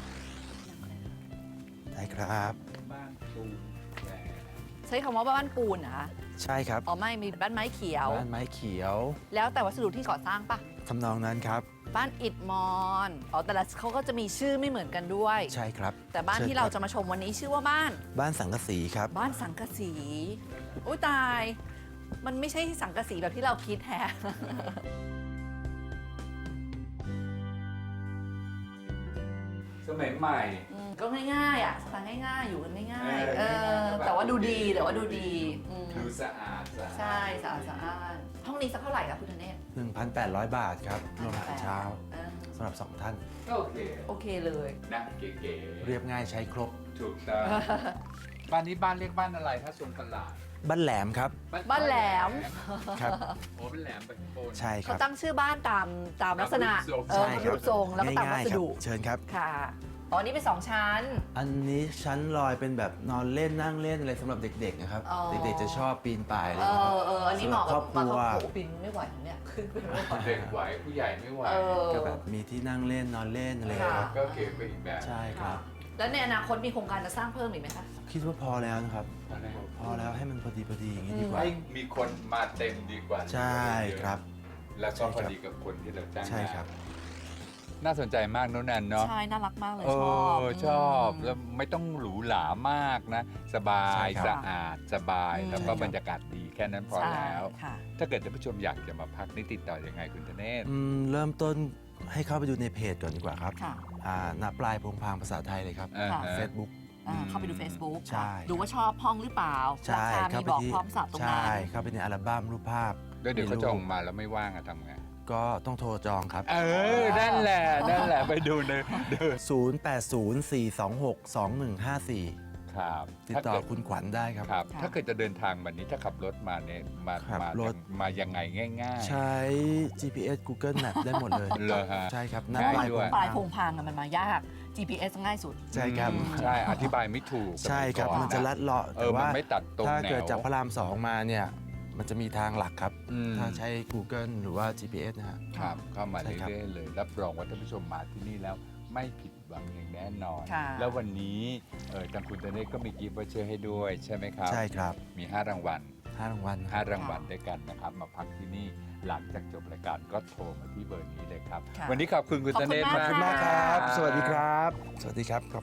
Speaker 6: ได้ครับ
Speaker 2: บ้านปูนแหวน
Speaker 3: ใช้คำว่าบ้านปูนนะคะ
Speaker 6: ใช่ครับ
Speaker 3: อ๋อไม่มีบ้านไม้เขียว
Speaker 6: บ้านไม้เขียว
Speaker 3: แล้วแต่วัสดุที่ก่อสร้างปะ
Speaker 6: ทำนองนั้นครับ
Speaker 3: บ้านอิฐมอนอ๋อแต่ละเขาก็จะมีชื่อไม่เหมือนกันด้วย
Speaker 6: ใช่ครับ
Speaker 3: แต่บ้านที่
Speaker 6: ชิญค
Speaker 3: เรา
Speaker 6: บ
Speaker 3: จะมาชมวันนี้ชื่อว่าบ้าน
Speaker 6: บ้านสังกะสีครับ
Speaker 3: บ้านสังกะสีอุ้ยตาย มันไม่ใช่สังกะสีแบบที่เราคิดแฮะ
Speaker 2: สมัยใหม่
Speaker 3: อืมก็ง่ายๆอ่ะสไตล์ง่ายๆ อยู่กันง่ายๆ
Speaker 2: เอ
Speaker 3: เอ
Speaker 2: อ
Speaker 3: อ แต่ว่าดูดีแต่ว่าดูดีอืม
Speaker 2: ดูสะอาดสะอาด
Speaker 3: ใช่สะอาดสะอาดห้องนี้สักเท่าไหร่ครับคุณธเนศ
Speaker 6: หนึ่งพันแปดร้อย บาทครับรวมอาหารเช้า
Speaker 3: เออ
Speaker 6: สำหรับสองท่าน
Speaker 2: ก็โอเค
Speaker 3: โอเคเลย
Speaker 2: นะเก๋ๆ
Speaker 6: เรียบง่ายใช้ครบ
Speaker 2: ถูกต้อง บ้านนี้บ้านเรียกบ้านอะไรถ้าทรงตลาด
Speaker 6: บ้านแหลมครับ
Speaker 3: บ้านแหลม
Speaker 6: ครับ
Speaker 2: โอ้เป็นแหลมไปโคน
Speaker 6: ใช่ค
Speaker 3: เขา
Speaker 6: รับ
Speaker 3: ตั้งชื่อบ้านตามตามลักษณะ
Speaker 2: ตามรูปทรง
Speaker 3: เออ
Speaker 6: ใช่ครั
Speaker 3: รูปทรงแล้วก็ตามวั
Speaker 6: ง่าย
Speaker 3: ส
Speaker 6: ๆครับ
Speaker 3: ดุ
Speaker 6: เชิญครับ
Speaker 3: ค่ะอ๋อนี่เป็นสองชั้น
Speaker 6: อันนี้ชั้นลอยเป็นแบบนอนเล่นนั่งเล่นอะไรสำหรับเด็กๆนะครับ
Speaker 3: อ๋อ
Speaker 6: เด็กๆจะชอบปีนป่ายอะไร
Speaker 3: เอ
Speaker 6: อย่างเงี้ย
Speaker 3: อเอออันนี้เหมาะกับ
Speaker 6: สำหรับครอบครัว
Speaker 3: มาเขาโอ้ปินไม่ไหวเนี่ยขึ้นไปไม่ไหว
Speaker 2: เด็กไหวผู้ใหญ่ไม่ไหว
Speaker 3: เออ
Speaker 6: ก็แบบมีที่นั่งเล่นนอนเล่นอะไรอย่างเงี้ยครับ
Speaker 2: ก็เก๋ไปอีกแบบ
Speaker 6: ใช่ครับ
Speaker 3: แล้วในอนาคตมีโครงการจะสร้างเพิ่มอีกไหมคะ
Speaker 6: คิดว่าพอแล้วนะครับ พอแล้วให้มันพอดีพอดีอย่างนี้ดีกว่า
Speaker 2: ให้มีคนมาเต็มดีกว่า
Speaker 6: ใช่ครับ
Speaker 2: แล้วก็พอดีกับคนที่เราจ้าง
Speaker 6: ใช่ครับ
Speaker 2: น่าสนใจมากน้องแนนเนาะ
Speaker 3: ใช่ น่ารักมากเลย
Speaker 2: เอ
Speaker 3: ชอบ
Speaker 2: อชอบแล้วไม่ต้องหรูหรามากนะ สบา
Speaker 6: ใช่
Speaker 2: ย
Speaker 6: ครับ
Speaker 2: สะอาดสบาย
Speaker 3: อืม
Speaker 2: แล้วก็บรรยากาศดีแค่นั้นพอ
Speaker 3: ใช่
Speaker 2: แล้ว
Speaker 3: ค่ะ
Speaker 2: ถ้าเกิดท่านผู้ชมอยากจะมาพักนี่ติดต่อยังไงคุณธเนศ
Speaker 6: อืมเริ่มต้นให้เข้าไปดูในเพจก่อนดีกว่าครับ
Speaker 3: ค่ะ
Speaker 6: อ่าณปลายพงพางภาษาไทยเลยครับ
Speaker 2: อ่า
Speaker 3: ค่ะ
Speaker 2: ฮะ
Speaker 6: Facebook
Speaker 3: อ่าเข้าไปดู Facebook
Speaker 6: ใช่
Speaker 3: ดูว่าชอบห้องหรือเปล่า
Speaker 6: ใช่
Speaker 3: ราคา
Speaker 6: เข้า
Speaker 3: มี
Speaker 6: ไป
Speaker 3: บอก
Speaker 6: ที่
Speaker 3: พร้อมสับตรง
Speaker 6: ใช่
Speaker 3: นั้น
Speaker 6: เข้าไปในอัลบั้มรูปภาพ
Speaker 2: แล้วเดี๋ยวเขา
Speaker 6: มีรูป
Speaker 2: จองมาแล้วไม่ว่างอะทำไง
Speaker 6: ก็ต้องโทรจองครับ
Speaker 2: เออ นั่นแหละ นั่นแหละ ไปดูในเดิน
Speaker 6: ศูนย์ แปด ศูนย์ สี่ สอง หก สอง หนึ่ง ห้า สี่
Speaker 2: ครับ
Speaker 6: ติด
Speaker 2: ถ้า
Speaker 6: ต่อ
Speaker 2: เกิด
Speaker 6: คุณขวัญได้ครับ
Speaker 2: ครับ
Speaker 3: ค่ะ
Speaker 2: ถ้าเกิดจะเดินทางแบบนี้ถ้าขับรถมาเนี่ย มา
Speaker 6: ขับ
Speaker 2: มาร
Speaker 6: ถ
Speaker 2: มายังไงง่าย
Speaker 6: ใช้ จี พี เอส Google Map ได้หมดเลย
Speaker 2: เหรอฮะ
Speaker 6: ใช่ครับ
Speaker 2: ง่าย
Speaker 6: ปลาย
Speaker 2: ด้วย
Speaker 6: พง
Speaker 3: ปลาย
Speaker 6: พาง
Speaker 3: พงพางอะมันมายาก จี พี เอส ง่ายสุด
Speaker 6: ใช่ครับ
Speaker 2: อืมใช่ อธิบายไม่ถูก
Speaker 6: ใช่ครับ
Speaker 2: สยก่อ
Speaker 6: มันจะลัดเลาะ
Speaker 2: เอ
Speaker 6: แต่
Speaker 2: อ มัน
Speaker 6: ว่า
Speaker 2: ไม่ตัดตรง
Speaker 6: ถ้า
Speaker 2: แนว
Speaker 6: เกิดจากพระรามสองมาเนี่ย มันจะมีทางหลักครับ
Speaker 2: อืม
Speaker 6: ถ้าใช้ Google หรือว่า จี พี เอส นะฮะ
Speaker 2: ครับ เข้ามา
Speaker 6: ใช่ครับ
Speaker 2: เรื่อยๆเลย รับรองว่าท่านผู้ชมมาที่นี่แล้วไม่ผิดหวังอย่างแน่นอน
Speaker 3: ค่ะ
Speaker 2: แล้ววันนี้เออทางคุณธเนศก็มีกิฟต์วอเชอร์ให้ด้วยใช่ไหมครับ
Speaker 6: ใช่ครับ
Speaker 2: มี 5 รางวัล
Speaker 6: ห้ารางวัลค
Speaker 2: ห้า
Speaker 6: รับ
Speaker 2: รางวัลด้วยกันนะครับ มาพักที่นี่หลังจากจบรายการก็โทรมาที่เบอร์นี้เลยครับ
Speaker 3: ค่ะ
Speaker 2: วันนี้ขอบคุณคุณ
Speaker 3: ขอบ
Speaker 2: ธ
Speaker 3: คุณ
Speaker 2: เนศ
Speaker 3: มาก
Speaker 2: มาก
Speaker 3: ค่ะ
Speaker 6: มากครับ สวัสดีครับ สวัสดีครับครับ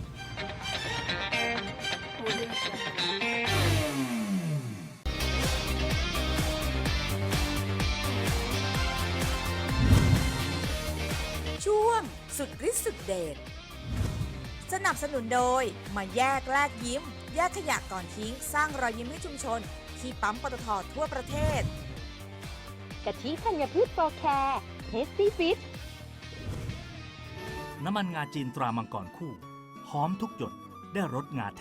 Speaker 4: ช่วงสุดฤทธิ์สุดเดชสนับสนุนโดยมาแยกแลกยิ้ม แยกขยะก่อนทิ้ง สร้างรอยยิ้มให้ชุมชน ที่ปั๊มปตททั่วประเทศ
Speaker 7: กะทิธัญพืชโปรแคร์เทสตี้ฟิต
Speaker 8: น้ำมันงาจีนตรามังกรคู่ หอมทุกหยดได้รสงาแท้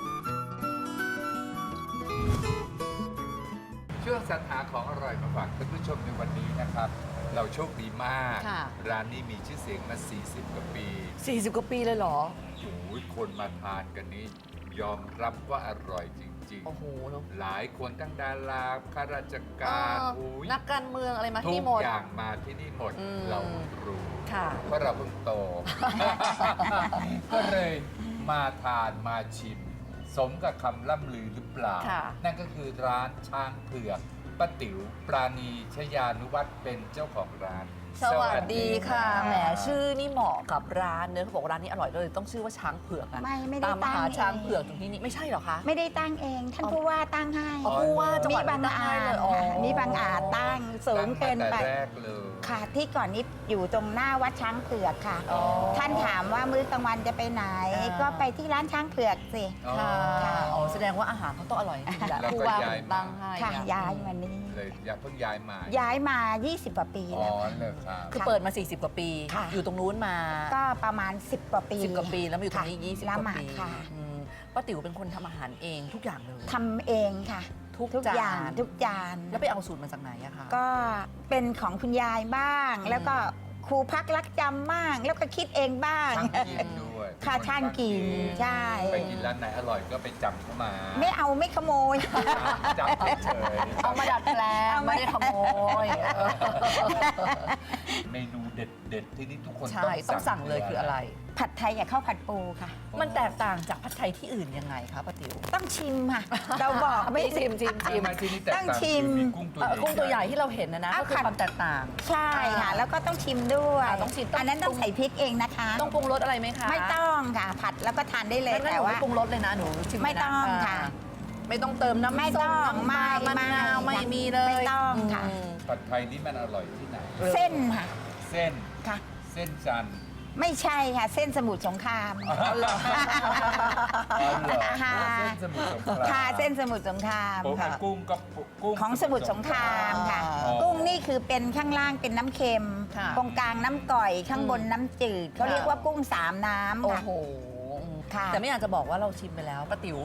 Speaker 2: ช่วงสรรหาของอร่อยมาฝากท่านผู้ชมในวันนี้นะครับ เราโชคดีมาก
Speaker 3: ค่ะ
Speaker 2: ร้านนี้มีชื่อเสียงมา สี่สิบ กว่าปี
Speaker 3: สี่สิบกว่าปีเลยเหรอ
Speaker 2: โอ้ยคนมาทานกันนี้ ยอมรับว่าอร่อยจริง
Speaker 3: โอ้โหเนอะ
Speaker 2: ๆ หลายคนทั้งดาราข้าราชการ
Speaker 3: เออ
Speaker 2: โอ้ย
Speaker 3: นักการเมืองอะไรมา
Speaker 2: ทุ
Speaker 3: ที่
Speaker 2: ก
Speaker 3: หมด
Speaker 2: อย่างมาที่นี่หมด
Speaker 3: อืม
Speaker 2: เรารู้
Speaker 3: ค่ะ
Speaker 2: เพราะเราเพิ่งโต ก็เลยมาทานมาชิม สมกับคำล่ำลือหรือเปล่า
Speaker 3: ค่ะ
Speaker 2: นั่นก็คือร้านช้างเผือกป้าติ๋วปราณีชยานุวัฒน์เป็นเจ้าของร้าน
Speaker 3: สวัสดีค่ะ
Speaker 2: รับ
Speaker 3: แหมชื่อนี่เหมาะกับร้านเนอะเขาบอกว่าร้านนี้อร่อยเลยต้องชื่อว่าช้างเผือกอะ
Speaker 7: ไม่ไม่ได้
Speaker 3: ตามมาหา
Speaker 7: ตั้ง
Speaker 3: ช้าง
Speaker 7: เอง
Speaker 3: เผือกตรงที่นี่ไม่ใช่เหรอคะ
Speaker 7: ไม่ได้ตั้งเอง ท่าน
Speaker 3: อ๋อ
Speaker 7: ผู้ว่าตั้งให้
Speaker 3: อ๋อผู้ว่าจังหวัด
Speaker 7: นี่บาง
Speaker 3: ตั้งให้
Speaker 7: อาจ
Speaker 3: เลยอ๋อ
Speaker 7: นี่บางอาจตั้งสูงเกิน
Speaker 2: ตั้ง
Speaker 7: ไป
Speaker 2: มาแต่แรกเลย
Speaker 7: ค่ะที่ก่อนนี้อยู่ตรงหน้าวัดช้างเผือกค่ะ
Speaker 3: อ๋อ
Speaker 7: ท่านถามว่ามื้อกลางวันจะไปไหน
Speaker 3: อ่า
Speaker 7: ก็ไปที่ร้านช้างเผือกสิ
Speaker 2: อ๋อ
Speaker 3: ค่ะอ๋อแสดงว่าอาหารเขาต้องอร่อยจริงๆแหละ
Speaker 2: แล้วก็
Speaker 3: ผู้ว่า
Speaker 2: ย้ายมา
Speaker 3: ตั้งให้
Speaker 7: ค่ะ
Speaker 3: เนี่ย
Speaker 7: ย้ายมานี่
Speaker 2: เลยอย่าเพิ่งย้ายมา
Speaker 7: ย้ายมา ยี่สิบ กว่าปี
Speaker 2: อ๋อ
Speaker 7: แล้ว
Speaker 2: เลยครับ
Speaker 3: คือเปิดมา สี่สิบ กว่าปี
Speaker 7: ค่ะ
Speaker 3: อยู่ตรงนู้นมา
Speaker 7: ก็ประมาณ สิบ กว่าปี
Speaker 3: สิบกว่าปีแล้วมาอยู่ตรงนี้
Speaker 7: ค่ะ
Speaker 3: ยี่สิบ
Speaker 7: ละ
Speaker 3: กว่า
Speaker 7: หมาด
Speaker 3: ปี
Speaker 7: ค่ะ
Speaker 3: อืมป้าติ๋วเป็นคนทำอาหารเองทุกอย่างเลย
Speaker 7: ทำเองค่ะ
Speaker 3: ทุก
Speaker 7: ทุก
Speaker 3: จาน
Speaker 7: อย่างทุกจาน
Speaker 3: แล้วไปเอาสูตรมาจากไหนอะคะ
Speaker 7: ก็เป็นของคุณยายบ้าง
Speaker 3: อืม
Speaker 7: แล้วก็ครูพักรักจำบ้าง แล้วก็คิดเองบ้าง
Speaker 2: ช่างกินด้วย
Speaker 7: ค่ะช่างกินใช่
Speaker 2: ไปกินร้านไหนอร่อยก็ไปจำเข้ามา
Speaker 7: ไม่เอาไม่ขโมย
Speaker 2: จำเฉยๆ
Speaker 3: เอามาดัดแปลง
Speaker 7: เอามา
Speaker 3: ไม่ได้ขโมยเออ
Speaker 2: เมนูเด็ดๆ ที่นี่ทุกคน
Speaker 3: ใช่ต้องสั่งเลยคืออะไร
Speaker 7: ผัดไทยกับข้าวผัดปูค่ะ
Speaker 3: มันแตกต่างจากผัดไทยที่อื่นยังไงคะป้าติ๋ว
Speaker 7: ต้องชิมค่ะ เราบอกไม่
Speaker 3: ชิมชิมชิม
Speaker 2: ทำไมที่นี่แตก
Speaker 7: ต้อง
Speaker 2: ต่าง
Speaker 7: ชิม
Speaker 2: คือมีกุ้งตัว
Speaker 3: เอ่อ
Speaker 2: ใหญ่
Speaker 3: กุ้งตัวใหญ่ที่เราเห็นนะนะ
Speaker 7: เอา
Speaker 3: ก็คือ
Speaker 7: ผัด
Speaker 3: ความแตกต่าง
Speaker 7: ใช่ค่ะ แล้วก็ต้องชิมด้วย
Speaker 3: อ่าต้องชิมต้อง
Speaker 7: อันนั้นต้องใส่พริกเองนะคะ
Speaker 3: ต้องปรุงรสอะไรไหมคะ
Speaker 7: ไม่ต้องค่ะ ผัดแล้วก็ทานได้เลย
Speaker 3: งั้นห
Speaker 7: แต่
Speaker 3: นู
Speaker 7: ว่า
Speaker 3: ไม่ปรุงรสเลยนะหนูชิมเลยนะ
Speaker 7: ไม่ต้องค่ะ
Speaker 3: าไม่ต้องเติมน้ำ
Speaker 7: ไม่
Speaker 3: ส้
Speaker 7: ต้
Speaker 3: ม
Speaker 7: อง
Speaker 3: น้ำปลา
Speaker 7: ไม่
Speaker 3: มะนาว
Speaker 7: ไม่
Speaker 3: ไม่มีเลย
Speaker 7: ไม่ต้องค่ะ
Speaker 3: ม
Speaker 2: ผัดไทยนี่มันอร่อยที่ไหน
Speaker 7: เส้นค่ะ
Speaker 2: เส้น
Speaker 7: ค่ะ
Speaker 2: เส้นจันทร์
Speaker 7: ไม่ใช่ค่ะ เส้นสมุทรสงคราม
Speaker 2: อ๋อเหรออ๋อเหรอ
Speaker 7: ค่ะ
Speaker 2: เส้นสมุทรสงคราม
Speaker 7: ค่ะเส้นสมุทรสงคราม
Speaker 2: โอ้
Speaker 7: ค่ะ
Speaker 2: กุ้งก็กุ้ง
Speaker 7: ของสมุทรสงครามค่ะ
Speaker 2: อ๋อ
Speaker 7: กุ้งนี่คือเป็นข้างล่างเป็นน้ำเค็ม
Speaker 3: ค่ะ
Speaker 7: ตรงกลางน้ำก่อยข้างบนน้ำจืดเขา
Speaker 3: ค่ะ
Speaker 7: เรียกว่ากุ้งสามน้ำ
Speaker 3: โอ้
Speaker 7: ค่ะ
Speaker 3: โห
Speaker 7: ค่ะ
Speaker 3: แต่ไม่อยากจะบอกว่าเราชิมไปแล้วป้าติ๋ว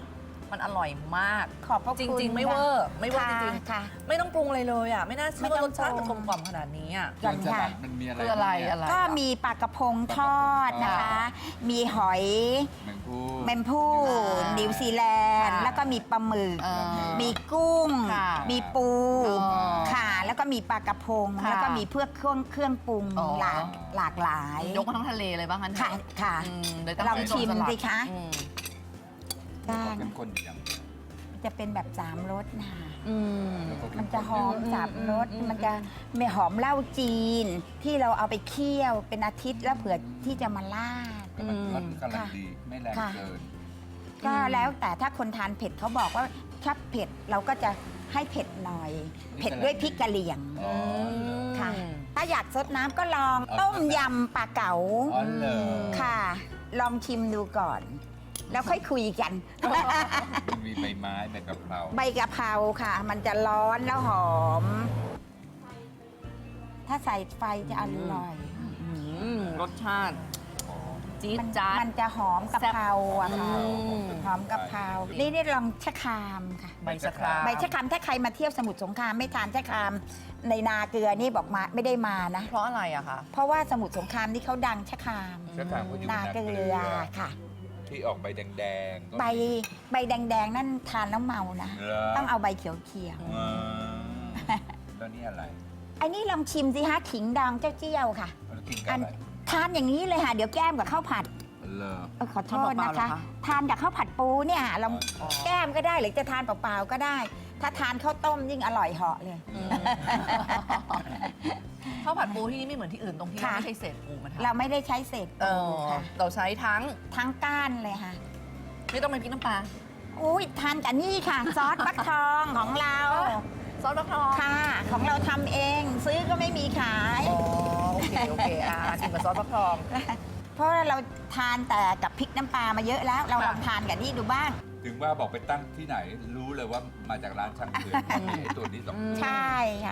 Speaker 3: มันอร่อยมาก
Speaker 4: ขอบพระ
Speaker 3: จ
Speaker 4: คุณ
Speaker 3: ริง ๆ ไม่เวอร์ ไม่เวอร์จริง
Speaker 4: ค่ะ
Speaker 3: ๆ ไม่ต้องปรุงอะไรเลยอ่ะ ไม่น่าเชื่อว่ารสชาติ
Speaker 4: ไม่
Speaker 3: จะ
Speaker 4: ต้องปรุง
Speaker 3: กลมกล่อมขนาดนี้อ่ะ
Speaker 4: ก่อนค่ะ
Speaker 2: มันมีอะไร
Speaker 3: คืออะไร
Speaker 2: เนี่ย
Speaker 3: อะไร
Speaker 4: ก็มีปลากระพงทอดนะคะ มีหอย
Speaker 2: แมงผู้
Speaker 4: แมมพู่
Speaker 3: อ่า
Speaker 4: นิวซีแลนด์
Speaker 3: ค่ะ
Speaker 4: แล้วก็มีปลาหมึก
Speaker 3: เออ
Speaker 4: มีกุ้ง
Speaker 3: ค่ะ
Speaker 4: มีปู
Speaker 3: อ๋อ
Speaker 4: ค่ะ แล้วก็มีปลากระพง
Speaker 3: ค่ะ
Speaker 4: แล้วก็มีเพื่อเครื่องเครื่องปรุง
Speaker 3: อ๋อ
Speaker 4: หลากหลากหลาย
Speaker 3: ยกมาทั้งทะเลเลยบ้างคะ
Speaker 4: ค่ะค่ะ
Speaker 3: อืมเลยต้อง
Speaker 4: ลองชิม
Speaker 3: สลัด
Speaker 4: สิคะ
Speaker 3: อืม
Speaker 4: ก็
Speaker 2: เป็นคนอย่าง
Speaker 4: จะเป็นแบบสามรสนะคะ
Speaker 3: อืม
Speaker 4: มันจะหอม
Speaker 3: อืม
Speaker 4: สามรส
Speaker 3: อืม
Speaker 4: มันจะไม่หอมเหล้าจีน ที่เราเอาไปเคี่ยวเป็นอาทิตย์แล้วเผื่อที่จะมาลาด
Speaker 2: ก็มันรสกำลัง
Speaker 4: ค่ะ
Speaker 2: ดี ไม่แรง
Speaker 4: ค่ะ
Speaker 2: เกิน
Speaker 4: ก็แล้วแต่ถ้าคนทานเผ็ดเขาบอกว่าถ้าเผ็ดเราก็จะให้เผ็ดหน่อย เผ็ดด้วยพริกกะเหรี่ยง
Speaker 2: อ๋อ
Speaker 4: ค่ะ ถ้าอยากซดน้ำก็ลอง
Speaker 2: เอา
Speaker 4: ต้มยำปลาเก๋า
Speaker 2: อ๋อเหรอ
Speaker 4: ค่ะ ลองชิมดูก่อน แล้วค่อยคุยกัน
Speaker 2: มันมีใบไม้ใบกะเพรา
Speaker 4: ใบกะเพราค่ะ มันจะร้อนแล้วหอม ถ้าใส่ไฟจะอร่อย
Speaker 3: อืมรสชาติจี๊ด
Speaker 4: มัน
Speaker 3: จ๊าด
Speaker 4: มันจะหอมกะเพราอะค่ะ
Speaker 3: อืม
Speaker 4: หอมกะเพรา นี่นี่ลองชะครามค่ะ
Speaker 3: ใบชะคราม
Speaker 4: ใบชะครามถ้าใครมาเที่ยวสมุทรสงครามไม่ทานชะครามในนาเกลือนี่บอกมาไม่ได้มานะ
Speaker 3: เพราะอะไรอะคะ
Speaker 4: เพราะว่าสมุทรสงครามนี่เขาดังชะคราม
Speaker 2: ชะครามเขาอยู่
Speaker 4: นา
Speaker 2: นา
Speaker 4: เก
Speaker 2: เก
Speaker 4: ลื
Speaker 2: ลื
Speaker 4: อ
Speaker 2: อ
Speaker 4: ค่ะ
Speaker 2: ที่ออกใบแดงๆก็
Speaker 4: ใบใบแดงๆ นั่นทานแล้วเมานะ
Speaker 2: เหรอ
Speaker 4: ต้องเอาใบเขียว
Speaker 2: อืมแล้วนี่อะไร
Speaker 4: ๆไอ้นี่ลองชิมสิฮะขิงดองเจ้าเจี้ยวค่ะ
Speaker 2: แล้วกินกับ
Speaker 4: อัน
Speaker 2: อะไร
Speaker 4: ทานอย่างนี้เลยค่ะ เดี๋ยวแก้มกับข้าวผัด
Speaker 2: เลอ
Speaker 4: เออขอโทษ
Speaker 3: ทานเปล่าๆ
Speaker 4: นะคะ
Speaker 3: เหรอคะ
Speaker 4: ทานกับข้าวผัดปูเนี่ยลอง
Speaker 3: อ๋อ
Speaker 4: แก้มก็ได้หรือจะทานเปล่าๆก็ได้ ถ้าทานข้าวต้มยิ่งอร่อยเหาะเลย
Speaker 3: อืมข้าวผัดปูที่นี่ไม่เหมือนที่อื่นตรงที่
Speaker 4: ค่ะ
Speaker 3: เราไม่ใช่เศษปูมัน
Speaker 4: เราไม่ได้ใช้เศษ
Speaker 3: เอ
Speaker 4: ปู
Speaker 3: อ
Speaker 4: ค่ะ
Speaker 3: เราใช้ทั้ง
Speaker 4: ทั้งก้านเลยค่ะ
Speaker 3: ไม่ต้องเป็นพริกน้ำปลา
Speaker 4: อุ้ยทานกับนี่ค่ะ ซอสฟักทองของเรา
Speaker 3: ซอสฟักทอง
Speaker 4: ค่ะ ของเราทำเอง ซื้อก็ไม่มีขาย
Speaker 3: อ๋อโอเคโอเคอ่ะชิมกับซอสฟักทอง
Speaker 4: เพราะว่าเราทานแต่กับพริกน้ำปลามาเยอะแล้ว เรา
Speaker 3: ค่ะ
Speaker 4: ลองทานกับนี่ดูบ้าง
Speaker 2: ถึงว่าบอกไปตั้งที่ไหน รู้เลยว่ามาจากร้านช่างเผือกไอ้ตัวนี้สองตัว
Speaker 4: ใช่ค่ะ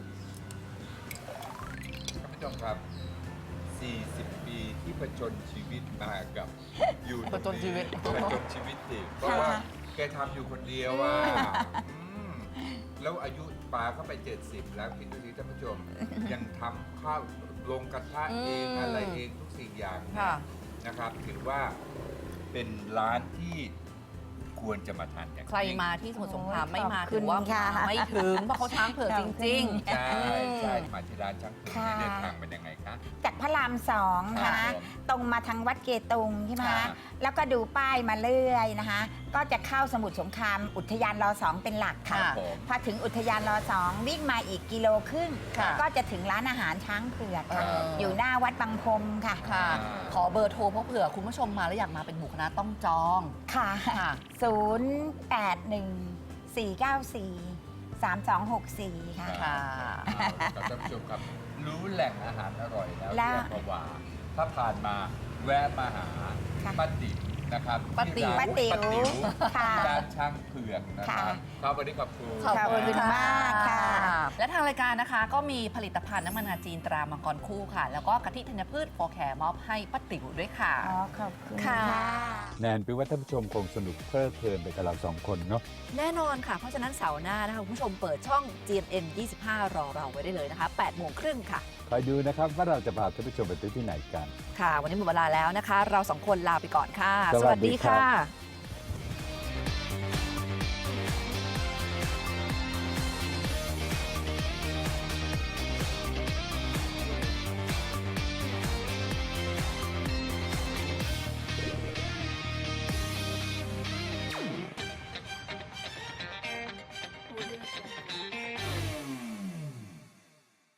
Speaker 2: ท่านผู้ชมครับ สี่สิบ ปีที่ผจญชีวิตมากับอยู่ตรง
Speaker 3: ผจญชีวิต
Speaker 2: ผจญชีวิตสิเพราะว่าแกทำอยู่คนเดียวว่าแล้วอายุปาเข้าไป เจ็ดสิบ แล้วคิดดูสิท่านผู้ชม ยังทำข้าวลงกระทะเอง
Speaker 3: อืม
Speaker 2: อะไรเองทุกสิ่งอย่างเนี่ย
Speaker 3: ค่ะ
Speaker 2: นะครับถือว่าเป็นร้านที่ควรจะมาทานกัน
Speaker 3: ใครมาที่สมุทรสงคราม
Speaker 4: โอ้ย
Speaker 3: ไม่มา
Speaker 4: ขอบคุ
Speaker 3: ถื
Speaker 4: ณ
Speaker 3: อว่า
Speaker 4: ค่ะ
Speaker 3: มาไม่ถึงเพราะเขาช้างเผือกจริงๆ
Speaker 2: ใช่ใช่มาที่ร้านช่างเผือก
Speaker 4: ค่ะ
Speaker 2: นี่เดินทางเป็นยังไงคะ
Speaker 4: จากพระรามสอง
Speaker 2: ครั
Speaker 4: นะ
Speaker 2: บผม
Speaker 4: ตรงมาทางวัดเกตุงใช่ไหม
Speaker 2: ครั
Speaker 4: คะ
Speaker 2: บ
Speaker 4: แล้วก็ดูป้ายมาเรื่อยนะคะ ก็จะเข้าสมุทรสงคราม อุทยานรอสองเป็นหลัก
Speaker 2: ครั
Speaker 4: ค่ะ
Speaker 2: บผม
Speaker 4: พอถึงอุทยานรอสองวิ่งมาอีกกิโลครึ่ง
Speaker 3: ค่ะ
Speaker 4: ก็จะถึงร้านอาหารช้างเผือกค่ะ
Speaker 3: เออ
Speaker 4: อ
Speaker 3: อ
Speaker 4: ยู่หน้าวัดบางพรมค่ะ
Speaker 3: ค่ะ ขอเบอร์โทรเพราะเผื่อคุณผู้ชมมาแล้วอยากมาเป็นหมู่คณะต้องจอง
Speaker 4: ค่ะ
Speaker 3: ค่ะ
Speaker 4: ศูนย์แปดหนึ่งสี่เก้าสี่สามสองหกสี่ค่ะ
Speaker 3: ค่ะ
Speaker 2: เอาละครับท่านผู้ชมครับ รู้แหล่งอาหารอร่อยแล้ว
Speaker 4: แล้ว
Speaker 2: ที่อัมพวาถ้าผ่านมาแวะมาหา
Speaker 4: ค่ะ
Speaker 2: ป้าติ๋วนะครับ
Speaker 3: ป้าติ๋ว
Speaker 2: ที่ร้น
Speaker 4: ป้าติ๋ว
Speaker 2: ป้าติ๋ว
Speaker 4: ค่ะ
Speaker 2: ร้านช่างเผือกนะครับ
Speaker 4: ค่ะ
Speaker 2: ครับวันนี้ขอบคุณ
Speaker 3: ขอบ
Speaker 4: ขอบคุณ
Speaker 3: ค่ะ
Speaker 4: มากค่ะ
Speaker 3: และทางรายการนะคะก็มีผลิตภัณฑ์น้ำมันงาจีนตรามังกรคู่ค่ะ แล้วก็กะทิธัญพืชโฟร์แคร์มอบให้ป้าติ๋วด้วยค่ะ
Speaker 4: อ๋อขอบคุณ
Speaker 3: ค่ะ
Speaker 4: ค่ะ
Speaker 2: แนนเป็นว่าท่านผู้ชมคงสนุกเพลิดเพลินไปกับเราสองคนเนาะ
Speaker 3: แน่นอนค่ะ เพราะฉะนั้นเสาร์หน้านะคะคุณผู้ชมเปิดช่อง จี เอ็น เอ็น ยี่สิบห้า รอเราไว้ได้เลยนะคะแปดโมงครึ่งค่ะ
Speaker 2: คอยดูนะครับว่าเราจะพาท่านผู้ชมไปที่ไหนกัน
Speaker 3: ค่ะ วันนี้หมดเวลาแล้วนะคะ เราสองคนลาไปก่อนค่ะ
Speaker 2: สวัสดีครับ
Speaker 3: ค่ะ